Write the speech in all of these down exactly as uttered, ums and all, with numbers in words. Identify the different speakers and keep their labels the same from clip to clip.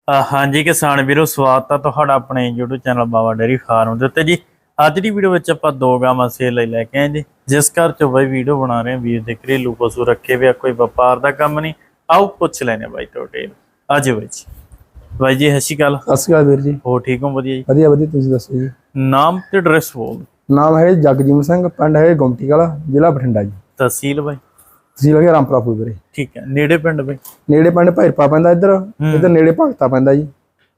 Speaker 1: हाँ जी किसान वीरो स्वागत है तुहाडा अपने YouTube channel Baba dairy farm ਦੇ ਉੱਤੇ जी ਅੱਜ ਦੀ ਵੀਡੀਓ ਵਿੱਚ ਆਪਾਂ ਦੋ ਗਾਵਾਂ ਸੇਲ ਲਈ ਲੈ ਕੇ ਆਏ ਜੀ ਜਿਸ ਘਰ ਚੋਂ ਬਾਈ ਵੀਡੀਓ ਬਣਾ ਰਹੇ ਵੀਰ ਦੇ ਘਰੇਲੂ ਪਸ਼ੂ ਰੱਖੇ ਵੇ ਕੋਈ ਵਪਾਰ ਦਾ ਕੰਮ ਨਹੀਂ ਆਓ ਪੁੱਛ ਲੈਨੇ ਬਾਈ ਤੁਹਾਡੇ ਅੱਜ ਬਾਈ ਜੀ ਬਾਈ ਜੀ ਸਤਿ ਸ਼੍ਰੀ ਅਕਾਲ
Speaker 2: ਸਤਿ ਸ਼੍ਰੀ ਅਕਾਲ ਵੀਰ ਜੀ
Speaker 1: ਹੋ ਠੀਕ ਹੋ ਵਧੀਆ ਜੀ
Speaker 2: ਵਧੀਆ ਵਧੀਆ ਤੁਸੀਂ ਦੱਸੋ ਜੀ
Speaker 1: ਨਾਮ ਤੇ ਐਡਰੈਸ ਬੋਲ
Speaker 2: ਨਾਮ ਹੈ ਜਗਜੀਤ ਸਿੰਘ ਪਿੰਡ ਹੈ ਗੁੰਮਟੀ ਵਾਲਾ ਜ਼ਿਲ੍ਹਾ ਬਠਿੰਡਾ ਜੀ
Speaker 1: ਤਹਿਸੀਲ ਬਾਈ
Speaker 2: ਤੁਸੀਂ ਲਗੇ ਰਾਮਪੁਰਾ ਫੂਲ ਵੀਰੇ
Speaker 1: ਠੀਕ ਹੈ ਨੇੜੇ ਪਿੰਡ ਬਾਈ
Speaker 2: ਨੇੜੇ ਪਿੰਡ ਭੈਰਪਾ ਪੈਂਦਾ ਇੱਧਰ ਇੱਧਰ ਨੇੜੇ ਭਗਤਾ ਪੈਂਦਾ ਜੀ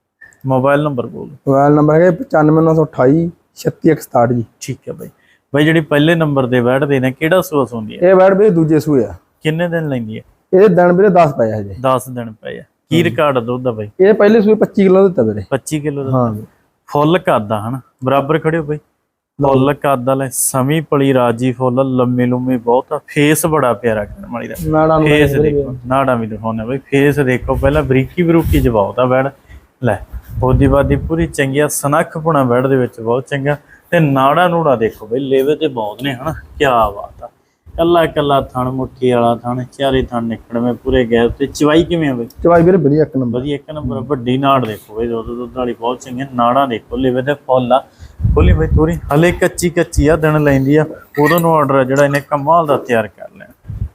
Speaker 1: मोबाइल नंबर बोल
Speaker 2: मोबाइल नंबर है पचानवे नौ सौ अठाई छत्ती एक सताहठ जी
Speaker 1: ठीक है भाई भाई जी पहले नंबर दे बैठ देने केड़ा सूआ सुंदी है
Speaker 2: ये बैठ भी दूजे सूए आ
Speaker 1: किन्ने दिन लेंदी है
Speaker 2: ये दिन भी दस पे है जी
Speaker 1: दस दिन पे है की रिकॉर्ड दुध दा भाई
Speaker 2: ये पहले सूए पच्चीस किलो दिता ਵੀਰੇ
Speaker 1: पच्चीस किलो
Speaker 2: हां
Speaker 1: फुल करदा हन बराबर खड़े हो भाई फुल करदा ले समी पली राजी फुल लम्मी लुम्मी बहुत फेस बड़ा प्यारा करन वाली दा
Speaker 2: नाड़ा
Speaker 1: फेस देखो नाड़ा भी दिखाउने भाई फेस देखो पहला बरीकी बरूकी जवाब दा बैठ ਲੈ ਉਹਦੀ ਬਾਦੀ ਪੂਰੀ ਚੰਗੀਆ ਸਨੱਖ ਪੁਣਾ ਬੈਡ ਦੇ ਵਿੱਚ ਬਹੁਤ ਚੰਗਾ ਤੇ ਨਾੜਾ ਨੂੜਾ ਦੇਖੋ ਬਈ ਲੇਵੇ ਤੇ ਬਹੁਤ ਨੇ ਹਨਾ ਕੀ ਬਾਤ ਆ ਕੱਲਾ ਕੱਲਾ ਥਣ ਮੁੱਠੀ ਵਾਲਾ ਥਣ ਚਾਰੇ ਥਣ ਨਿਕੜਵੇਂ ਪੂਰੇ ਗਏ ਤੇ ਚਵਾਈ ਕਿਵੇਂ ਆ ਬਈ
Speaker 2: ਚਵਾਈ ਵੀਰੇ ਵਧੀਆ ਇੱਕ ਨੰਬਰ
Speaker 1: ਵਧੀਆ ਇੱਕ ਨੰਬਰ ਵੱਡੀ ਨਾੜ ਦੇਖੋ ਬਈ ਦੁੱਧ ਦੁੱਧ ਵਾਲੀ ਬਹੁਤ ਚੰਗੀ ਨਾੜਾ ਦੇਖੋ ਲੇਵੇ ਤੇ ਫੁੱਲ ਆ ਖੋਲੀ ਬਈ ਤੋਰੀ ਹਲੇ ਕੱਚੀ ਕੱਚੀ ਆ ਦਿਨ ਲੈਂਦੀ ਆ ਉਦੋਂ ਨੂੰ ਆਰਡਰ ਜਿਹੜਾ ਇਹਨੇ ਕਮਾਲ ਦਾ ਤਿਆਰ ਕਰ ਲੈਣਾ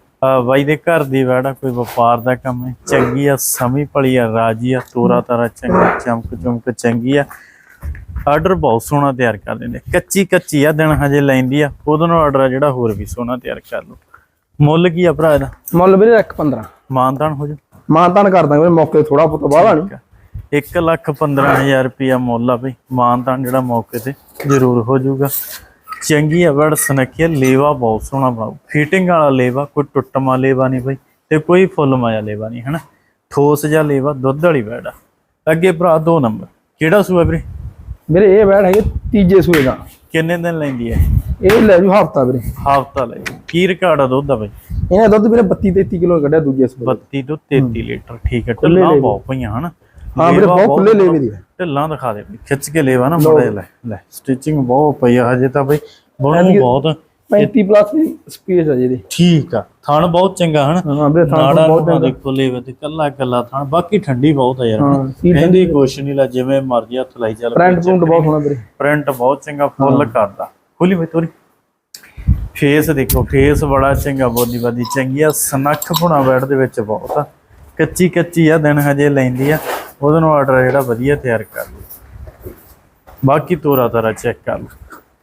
Speaker 1: ਬਾਈ ਦੇ ਘਰ ਦੀ ਵੈੜਾ ਕੋਈ ਵਪਾਰ ਦਾ ਕੰਮ ਹੈ ਚੰਗੀ ਆ ਸਮੀ ਭਲੀ ਆ ਰਾਜੀ ਆ ਤੋਰਾ ਤਾਰਾ ਚੰਗਾ ਚਮਕ ਚਮਕ ਚੰਗੀ ਆ ਆਰਡਰ ਬਹੁਤ ਸੋਹਣਾ ਤਿਆਰ ਕਰ ਦਿੰਦੇ ਕੱਚੀ ਕੱਚੀ ਆ ਦਿਨ ਹਜੇ ਲੈਂਦੀ ਆ ਉਦੋਂ ਨੂੰ ਆਰਡਰ ਜਿਹੜਾ ਹੋਰ ਵੀ ਸੋਹਣਾ ਤਿਆਰ ਕਰ ਲਓ ਮੁੱਲ ਕੀ ਆ ਭਰਾ ਇਹਦਾ
Speaker 2: ਮੁੱਲ ਵੀਰੇ ਇੱਕ ਪੰਦਰਾਂ
Speaker 1: ਮਾਨਤਾਨ ਹੋ ਜਾ
Speaker 2: ਮਾਨਤਾਨ ਕਰਦਾ ਵੀਰੇ ਮੌਕੇ ਥੋੜਾ ਬਹੁਤ ਬਾਹਲਾ ਨਹੀਂ
Speaker 1: ਇੱਕ ਲੱਖ ਪੰਦਰਾਂ ਹਜ਼ਾਰ ਰੁਪਇਆ ਮੁੱਲ ਆ ਬਈ ਮਾਨਤਾਨ ਜਿਹੜਾ ਮੌਕੇ ਤੇ ਜ਼ਰੂਰ ਹੋ ਜਾਊਗਾ ਚੰਗੀ ਆ ਵੜ ਸਨਕੀਆ ਲੇਵਾ ਬਹੁਤ ਸੋਹਣਾ ਬਣਾਓ ਫਿਟਿੰਗ ਵਾਲਾ ਲੇਵਾ ਕੋਈ ਟੁੱਟਮਾ ਲੇਵਾ ਨਹੀਂ ਬਈ ਤੇ ਕੋਈ ਫੁੱਲ ਮਾਇਆ ਲੇਵਾ ਨਹੀਂ ਹਨਾ ਠੋਸ ਜਿਹਾ ਲੇਵਾ ਦੁੱਧ ਵਾਲੀ ਵੈੜ ਆ ਅੱਗੇ ਭਰਾ ਦੋ ਨੰਬਰ ਕਿਹੜਾ ਸੂਆ ਵੀਰੇ
Speaker 2: ਵੀਰੇ ਇਹ ਵੈੜ ਹੈਗੇ ਤੀਜੇ ਸੂਏ ਦਾ
Speaker 1: ਕਿੰਨੇ ਦਿਨ ਲੈਂਦੀ ਹੈ
Speaker 2: ਇਹ ਲੈ ਜੂ ਹਫਤਾ ਵੀਰੇ
Speaker 1: ਹਫਤਾ ਲੈ ਕੀ ਰਿਕਾਰਡ ਆ ਦੁੱਧ ਦਾ ਬਈ
Speaker 2: ਇਹਨੇ ਦੁੱਧ ਵੀਰੇ ਬੱਤੀ ਤੇਤੀ ਕਿਲੋ ਕੱਢਿਆ ਦੂਜੇ ਸੂਏ
Speaker 1: ਬੱਤੀ ਤੋਂ ਤੇਤੀ ਲੀਟਰ ਠੀਕ ਹੈ ਢਿੱਲਾਂ ਬਹੁਤ ਪਈਆਂ ਹਨਾ
Speaker 2: ਹਾਂ ਵੀਰੇ ਬਹੁਤ ਖੁੱਲੇ ਲੇਵੇ ਦੀ
Speaker 1: ਢਿੱਲਾਂ ਦਿਖਾ ਦੇ ਬਈ ਖਿੱਚ ਕੇ ਲੇਵਾ ਨਾ ਬੜੇ ਲੈ ਲੈ ਸਟਿਚਿੰਗ ਬਹੁਤ ਪਈ ਆ ਹਜੇ ਤਾਂ ਬਈ ਬਣੂ ਬਹੁਤ
Speaker 2: ਪੈਂਤੀ ਪਲੱਸ ਦੀ ਸਪੇਸ ਆ ਜਿਹਦੀ
Speaker 1: ਠੀਕ ਆ ਥਣ ਬਹੁਤ ਚੰਗਾ ਹਨ
Speaker 2: ਹਾਂ ਵੀਰੇ ਥਣ
Speaker 1: ਬਹੁਤ ਚੰਗਾ ਦੇਖੋ ਲੇਵੇ ਤੇ ਕੱਲਾ ਕੱਲਾ ਥਣ ਬਾਕੀ ਠੰਡੀ ਬਹੁਤ ਆ ਯਾਰ ਕਹਿੰਦੀ ਕੁਛ ਨਹੀਂ ਲਾ ਜਿਵੇਂ ਮਰਜ਼ੀ ਹੱਥ ਲਾਈ ਚੱਲ
Speaker 2: ਪ੍ਰਿੰਟ ਪ੍ਰਿੰਟ ਬਹੁਤ ਸੋਹਣਾ ਵੀਰੇ
Speaker 1: ਪ੍ਰਿੰਟ ਬਹੁਤ ਚੰਗਾ ਫੁੱਲ ਕਰਦਾ ਖੋਲੀ ਬਈ ਤੋਰੀ ਫੇਸ ਦੇਖੋ ਫੇਸ ਬੜਾ ਚੰਗਾ ਬੋਦੀ ਬਾਦੀ ਚੰਗੀ ਆ ਸਨੱਖ ਪੁਣਾ ਬੈਠ ਦੇ ਵਿੱਚ ਬਹੁਤ ਆ ਕੱਚੀ ਕੱਚੀ ਆ ਦਿਨ ਹਜੇ ਲੈਂਦੀ ਆ ਉਹਦੇ ਨੂੰ ਆਰਡਰ ਜਿਹੜਾ ਵਧੀਆ ਤਿਆਰ ਕਰ ਲਓ ਬਾਕੀ ਤੋਰਾ ਤਾਰਾ ਚੈੱਕ ਕਰ ਲਓ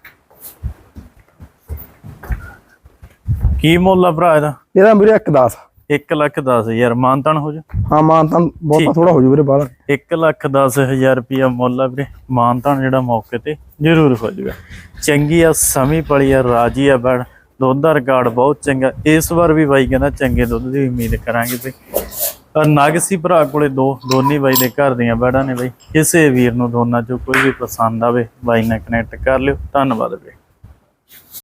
Speaker 1: ਕੀ ਮੁੱਲ ਆ ਭਰਾ ਇਹਦਾ
Speaker 2: ਇਹਦਾ ਵੀਰੇ ਇੱਕ ਦਸ
Speaker 1: ਇੱਕ ਲੱਖ ਦਸ ਹਜ਼ਾਰ ਮਾਨਤਾਨ ਹੋ ਜਾ
Speaker 2: ਹਾਂ ਮਾਨਤਾਨ ਬਹੁਤ ਥੋੜਾ ਹੋ ਜੂ ਵੀਰੇ ਬਾਹਰ
Speaker 1: ਇੱਕ ਲੱਖ ਦਸ ਹਜ਼ਾਰ ਰੁਪਇਆ ਮੁੱਲ ਆ ਵੀਰੇ ਮਾਨਤਾਨ ਜਿਹੜਾ ਮੌਕੇ ਤੇ ਜ਼ਰੂਰ ਹੋ ਜਾਊਗਾ ਚੰਗੀ ਆ ਸਮੀ ਪਲੀ ਆ ਰਾਜੀ ਆ ਬੜ ਦੁੱਧ ਦਾ ਰਿਕਾਰਡ ਬਹੁਤ ਚੰਗਾ ਇਸ ਵਾਰ ਵੀ ਬਾਈ ਕਹਿੰਦਾ ਚੰਗੇ ਦੁੱਧ ਦੀ ਉਮੀਦ ਕਰਾਂਗੇ ਤੇ ਨਗ ਸੀ ਭਰਾ ਕੋਲੇ ਦੋ ਦੋਨੀ ਬਾਈ ਦੇ ਘਰ ਦੀਆਂ ਬੈੜਾਂ ਨੇ ਬਾਈ ਕਿਸੇ ਵੀਰ ਨੂੰ ਦੋਨਾਂ ਚੋਂ ਕੋਈ ਵੀ ਪਸੰਦ ਆਵੇ ਬਾਈ ਨਾਲ ਕਨੈਕਟ ਕਰ ਲਿਓ ਧੰਨਵਾਦ ਵੀਰੇ।